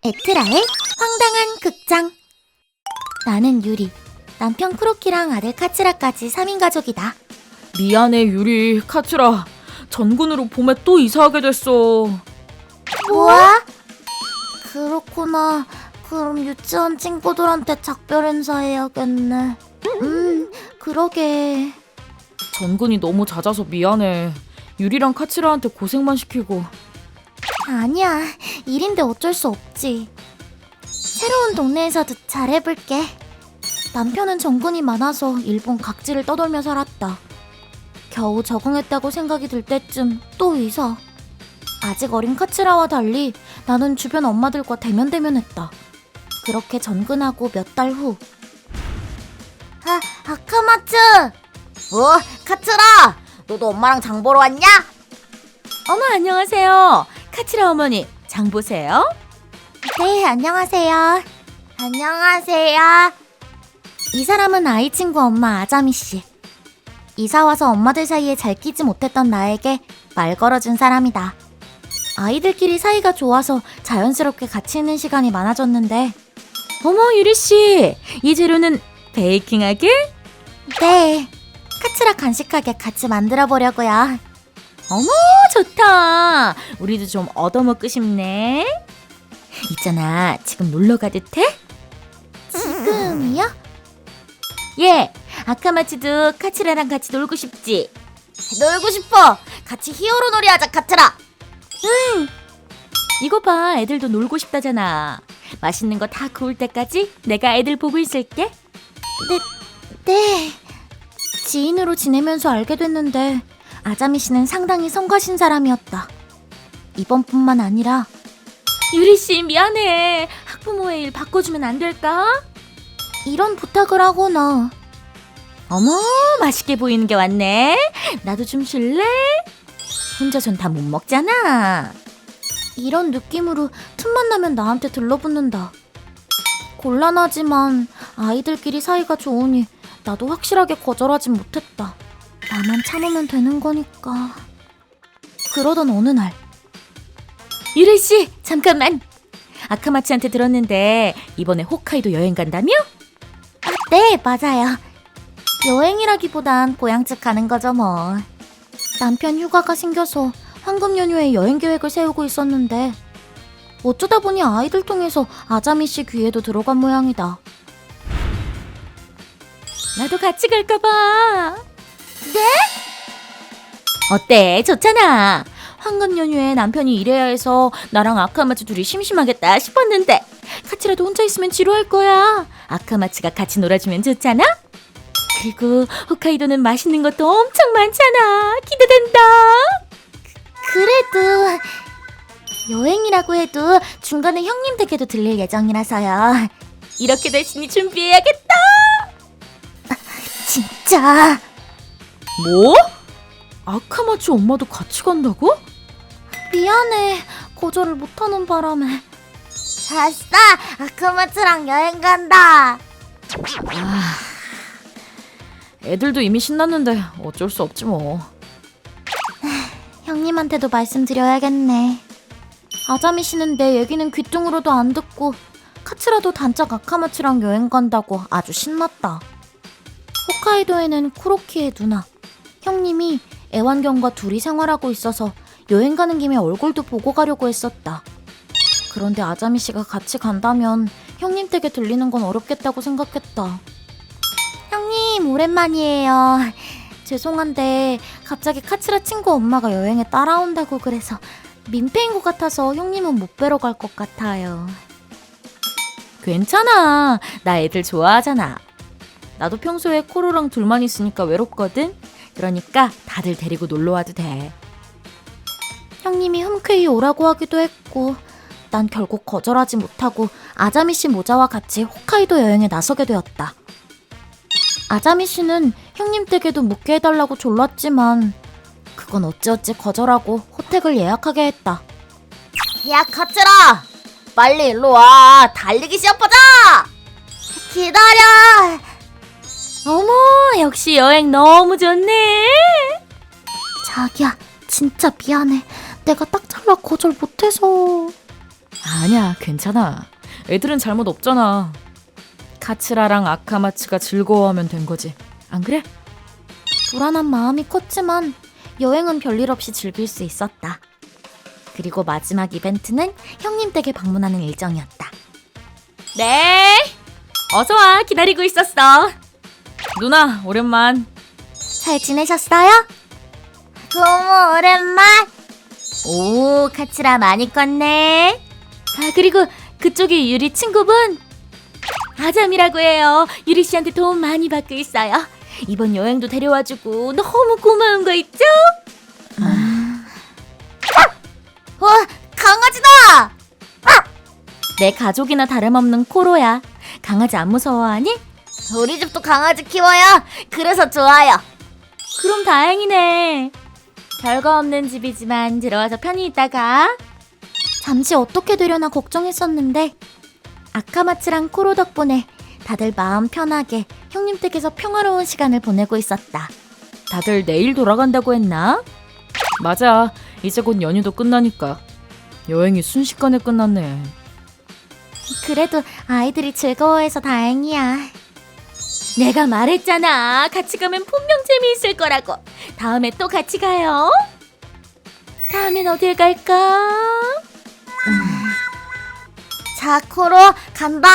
에트라의 황당한 극장. 나는 유리, 남편 크로키랑 아들 카츠라까지 3인 가족이다. 미안해 유리, 카츠라. 전군으로 봄에 또 이사하게 됐어. 뭐야? 그렇구나. 그럼 유치원 친구들한테 작별 인사해야겠네. 그러게. 전군이 너무 잦아서 미안해. 유리랑 카츠라한테 고생만 시키고. 아니야, 일인데 어쩔 수 없지. 새로운 동네에서도 잘해볼게. 남편은 전근이 많아서 일본 각지를 떠돌며 살았다. 겨우 적응했다고 생각이 들 때쯤 또 이사. 아직 어린 카츠라와 달리 나는 주변 엄마들과 대면대면했다. 그렇게 전근하고 몇 달 후. 아카마츠! 카츠라! 너도 엄마랑 장 보러 왔냐? 어머, 안녕하세요. 카츠라 어머니, 장 보세요. 네, 안녕하세요. 안녕하세요. 이 사람은 아이 친구 엄마 아자미 씨. 이사 와서 엄마들 사이에 잘 끼지 못했던 나에게 말 걸어준 사람이다. 아이들끼리 사이가 좋아서 자연스럽게 같이 있는 시간이 많아졌는데. 어머, 유리씨, 이 재료는 베이킹하게? 네, 카츠라 간식하게 같이 만들어 보려고요. 어머, 좋다. 우리도 좀 얻어먹고 싶네. 있잖아, 지금 놀러 가도 돼? 지금이요? 예, 아카마츠도 카츠라랑 같이 놀고 싶지? 놀고 싶어. 같이 히어로 놀이 하자, 카츠라. 이거 봐, 애들도 놀고 싶다잖아. 맛있는 거 다 구울 때까지 내가 애들 보고 있을게. 네. 지인으로 지내면서 알게 됐는데 아자미 씨는 상당히 성가신 사람이었다. 이번뿐만 아니라. 유리씨, 미안해. 학부모의 일 바꿔주면 안 될까? 이런 부탁을 하거나. 어머, 맛있게 보이는 게 왔네. 나도 좀 줄래? 혼자선 다 못 먹잖아. 이런 느낌으로 틈만 나면 나한테 들러붙는다. 곤란하지만 아이들끼리 사이가 좋으니 나도 확실하게 거절하진 못했다. 나만 참으면 되는 거니까. 그러던 어느 날. 유리씨, 잠깐만. 아카마츠한테 들었는데 이번에 홋카이도 여행 간다며? 네, 맞아요. 여행이라기보단 고향집 가는 거죠 뭐. 남편 휴가가 생겨서 황금 연휴에 여행 계획을 세우고 있었는데 어쩌다 보니 아이들 통해서 아자미 씨 귀에도 들어간 모양이다. 나도 같이 갈까 봐. 네? 어때? 좋잖아. 황금 연휴에 남편이 일해야 해서 나랑 아카마츠 둘이 심심하겠다 싶었는데 카츠라도 혼자 있으면 지루할 거야. 아카마츠가 같이 놀아주면 좋잖아. 그리고 홋카이도는 맛있는 것도 엄청 많잖아. 기대된다. 그래도 여행이라고 해도 중간에 형님 댁에도 들릴 예정이라서요. 이렇게 됐으니 준비해야겠다. 진짜. 뭐? 아카마츠 엄마도 같이 간다고? 미안해. 거절을 못하는 바람에. 아싸! 아카마츠랑 여행 간다. 애들도 이미 신났는데 어쩔 수 없지 뭐. 형님한테도 말씀드려야겠네. 아자미 씨는 내 얘기는 귀뚱으로도 안 듣고 카츠라도 단짝 아카마츠랑 여행 간다고 아주 신났다. 홋카이도에는 쿠로키의 누나, 형님이 애완견과 둘이 생활하고 있어서 여행 가는 김에 얼굴도 보고 가려고 했었다. 그런데 아자미 씨가 같이 간다면 형님 댁에 들리는 건 어렵겠다고 생각했다. 형님, 오랜만이에요. 죄송한데 갑자기 카츠라 친구 엄마가 여행에 따라온다고 그래서 민폐인 것 같아서 형님은 못 뵈러 갈 것 같아요. 괜찮아. 나 애들 좋아하잖아. 나도 평소에 코로랑 둘만 있으니까 외롭거든. 그러니까 다들 데리고 놀러 와도 돼. 형님이 흔쾌히 오라고 하기도 했고 난 결국 거절하지 못하고 아자미 씨 모자와 같이 홋카이도 여행에 나서게 되었다. 아자미 씨는 형님 댁에도 묵게 해달라고 졸랐지만 그건 어찌어찌 거절하고 호텔을 예약하게 했다. 야, 카츠라! 빨리 일로 와! 달리기 시합하자! 기다려! 어머, 역시 여행 너무 좋네. 자기야, 진짜 미안해. 내가 딱 잘라 거절 못해서. 아니야, 괜찮아. 애들은 잘못 없잖아. 카츠라랑 아카마츠가 즐거워하면 된 거지. 안 그래? 불안한 마음이 컸지만 여행은 별일 없이 즐길 수 있었다. 그리고 마지막 이벤트는 형님 댁에 방문하는 일정이었다. 네. 어서 와. 기다리고 있었어. 누나, 오랜만. 잘 지내셨어요? 너무 오랜만. 오, 카츠라 많이 컸네. 아, 그리고 그쪽이 유리 친구분. 아잠이라고 해요. 유리 씨한테 도움 많이 받고 있어요. 이번 여행도 데려와주고 너무 고마운 거 있죠? 와, 강아지다. 내 가족이나 다름없는 코로야. 강아지 안 무서워하니? 우리 집도 강아지 키워요. 그래서 좋아요. 그럼 다행이네. 별거 없는 집이지만 들어와서 편히 있다가. 잠시 어떻게 되려나 걱정했었는데 아카마츠랑 코로 덕분에 다들 마음 편하게 형님 댁에서 평화로운 시간을 보내고 있었다. 다들 내일 돌아간다고 했나? 맞아. 이제 곧 연휴도 끝나니까. 여행이 순식간에 끝났네. 그래도 아이들이 즐거워해서 다행이야. 내가 말했잖아. 같이 가면 분명 재미있을 거라고. 다음에 또 같이 가요. 다음엔 어딜 갈까? 자, 코로 간다.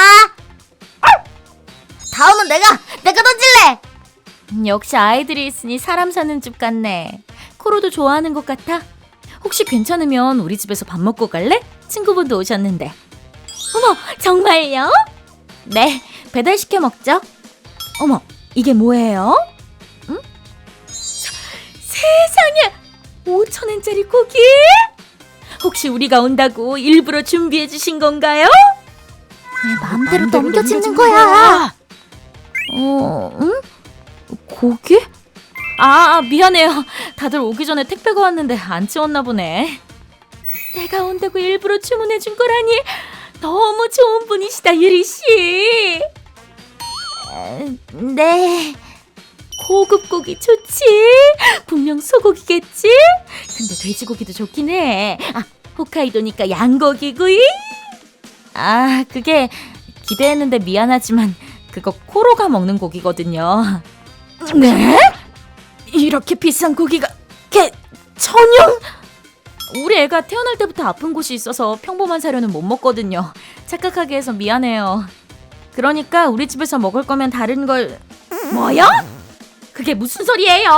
다음은 내가 던질래. 역시 아이들이 있으니 사람 사는 집 같네. 코로도 좋아하는 것 같아. 혹시 괜찮으면 우리 집에서 밥 먹고 갈래? 친구분도 오셨는데. 어머, 정말요? 네, 배달시켜 먹죠. 어머, 이게 뭐예요? 응? 세상에! 5,000원짜리 고기? 혹시 우리가 온다고 일부러 준비해 주신 건가요? 왜 마음대로 넘겨짓는 거야? 응? 고기? 미안해요. 다들 오기 전에 택배가 왔는데 안 치웠나 보네. 내가 온다고 일부러 주문해 준 거라니 너무 좋은 분이시다, 유리 씨. 네. 고급 고기 좋지? 분명 소고기겠지? 근데 돼지고기도 좋긴 해. 홋카이도니까 양고기구이? 그게 기대했는데 미안하지만 그거 코로가 먹는 고기거든요. 네? 이렇게 비싼 고기가 전용? 우리 애가 태어날 때부터 아픈 곳이 있어서 평범한 사료는 못 먹거든요. 착각하게 해서 미안해요. 그러니까 우리 집에서 먹을 거면 다른 걸... 뭐요? 그게 무슨 소리예요?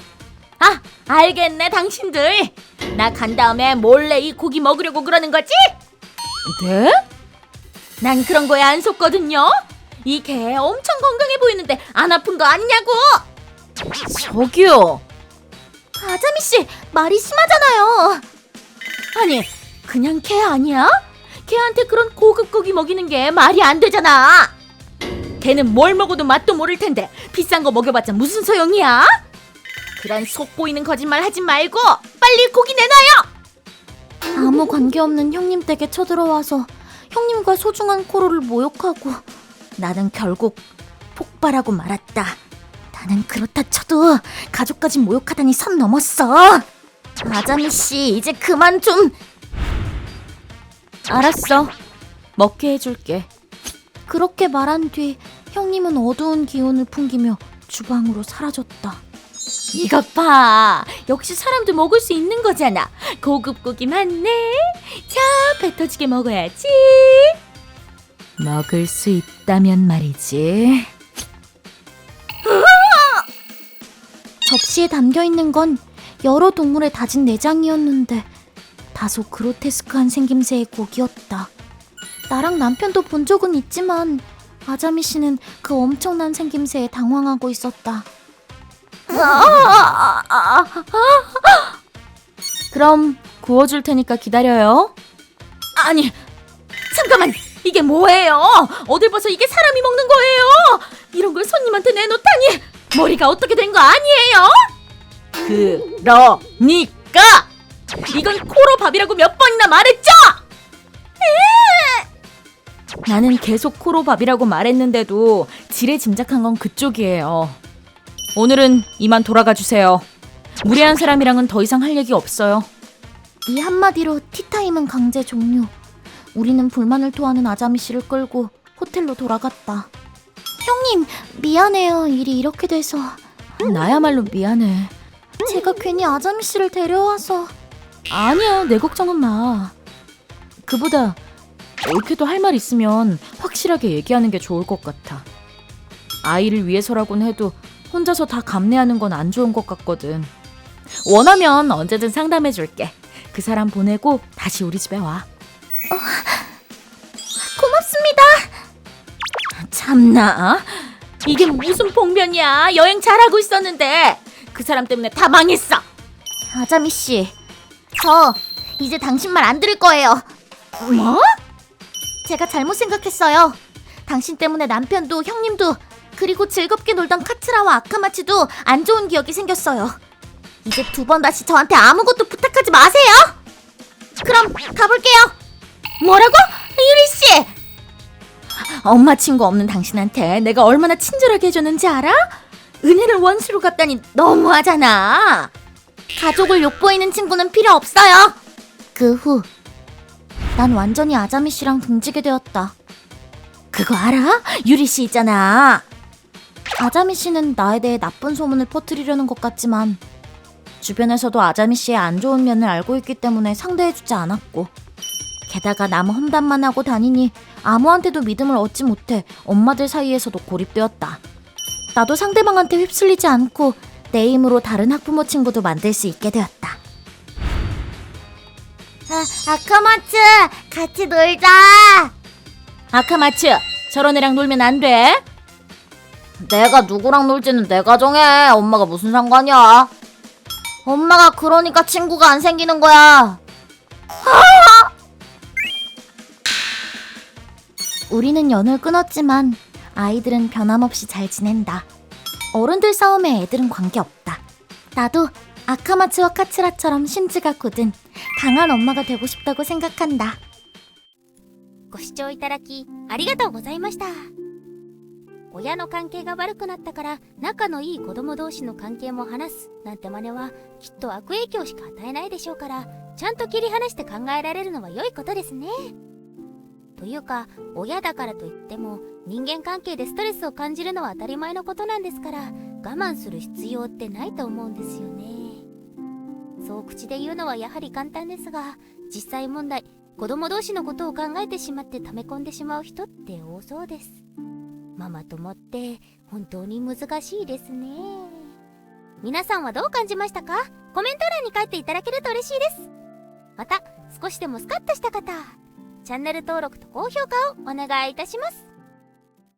알겠네, 당신들. 나 간 다음에 몰래 이 고기 먹으려고 그러는 거지? 네? 난 그런 거에 안 속거든요. 이 개 엄청 건강해 보이는데 안 아픈 거 아니냐고. 저기요. 아자미 씨, 말이 심하잖아요. 아니, 그냥 개 아니야? 개한테 그런 고급 고기 먹이는 게 말이 안 되잖아. 걔는 뭘 먹어도 맛도 모를 텐데 비싼 거 먹여봤자 무슨 소용이야? 그런 속 보이는 거짓말 하지 말고 빨리 고기 내놔요. 아무 관계없는 형님 댁에 쳐들어와서 형님과 소중한 코로를 모욕하고 나는 결국 폭발하고 말았다. 나는 그렇다 쳐도 가족까지 모욕하다니 선 넘었어. 아자미 씨, 이제 그만 좀. 알았어. 먹게 해줄게. 그렇게 말한 뒤 형님은 어두운 기운을 풍기며 주방으로 사라졌다. 이것 봐. 역시 사람도 먹을 수 있는 거잖아. 고급 고기 맞네. 자, 배 터지게 먹어야지. 먹을 수 있다면 말이지. 접시에 담겨있는 건 여러 동물의 다진 내장이었는데 다소 그로테스크한 생김새의 고기였다. 나랑 남편도 본 적은 있지만 아자미 씨는 그 엄청난 생김새에 당황하고 있었다. 그럼 구워줄 테니까 기다려요. 아니, 잠깐만. 이게 뭐예요? 어딜 봐서 이게 사람이 먹는 거예요? 이런 걸 손님한테 내놓다니. 머리가 어떻게 된 거 아니에요? 그러니까 이건 코로 밥이라고 몇 번이나 말했죠? 나는 계속 코로 밥이라고 말했는데도 지레 짐작한 건 그쪽이에요. 오늘은 이만 돌아가 주세요. 무례한 사람이랑은 더 이상 할 얘기 없어요. 이 한마디로 티타임은 강제 종료. 우리는 불만을 토하는 아자미 씨를 끌고 호텔로 돌아갔다. 형님, 미안해요. 일이 이렇게 돼서. 나야말로 미안해. 제가 괜히 아자미 씨를 데려와서. 아니야, 내 걱정은 마. 그보다 올케도 할 말 있으면 확실하게 얘기하는 게 좋을 것 같아. 아이를 위해서라곤 해도 혼자서 다 감내하는 건 안 좋은 것 같거든. 원하면 언제든 상담해줄게. 그 사람 보내고 다시 우리 집에 와. 고맙습니다. 참나, 이게 무슨 봉변이야. 여행 잘하고 있었는데 그 사람 때문에 다 망했어. 아자미 씨, 저 이제 당신 말 안 들을 거예요. 뭐? 제가 잘못 생각했어요. 당신 때문에 남편도 형님도 그리고 즐겁게 놀던 카츠라와 아카마츠도 안 좋은 기억이 생겼어요. 이제 2번 다시 저한테 아무것도 부탁하지 마세요. 그럼 가볼게요. 뭐라고? 유리씨! 엄마 친구 없는 당신한테 내가 얼마나 친절하게 해줬는지 알아? 은혜를 원수로 갚다니 너무하잖아. 가족을 욕보이는 친구는 필요 없어요. 그 후 난 완전히 아자미 씨랑 등지게 되었다. 그거 알아? 유리씨 있잖아. 아자미 씨는 나에 대해 나쁜 소문을 퍼뜨리려는 것 같지만 주변에서도 아자미 씨의 안 좋은 면을 알고 있기 때문에 상대해주지 않았고, 게다가 남 험담만 하고 다니니 아무한테도 믿음을 얻지 못해 엄마들 사이에서도 고립되었다. 나도 상대방한테 휩쓸리지 않고 내 힘으로 다른 학부모 친구도 만들 수 있게 되었다. 아카마츠, 같이 놀자. 아카마츠, 저런 애랑 놀면 안 돼. 내가 누구랑 놀지는 내가 정해. 엄마가 무슨 상관이야? 엄마가 그러니까 친구가 안 생기는 거야. 우리는 연을 끊었지만 아이들은 변함없이 잘 지낸다. 어른들 싸움에 애들은 관계없다. 나도 아카마츠와 카츠라처럼 심지가 굳은 강한 엄마가 되고 싶다고 생각한다. ご視聴いただきありがとうございました。親の関係が悪くなったから仲のいい子供同士の関係も話すなんて真似はきっと悪影響しか与えないでしょうから、ちゃんと切り離して考えられるのは良いことですね。というか親だからといっても人間関係でストレスを感じるのは当たり前のことなんですから、我慢する必要ってないと思うんですよね。そう口で言うのはやはり簡単ですが、実際問題子供同士のことを考えてしまって溜め込んでしまう人って多そうです。ママ友って本当に難しいですね。皆さんはどう感じましたか？コメント欄に書いていただけると嬉しいです。また少しでもスカッとした方、チャンネル登録と高評価をお願いいたします。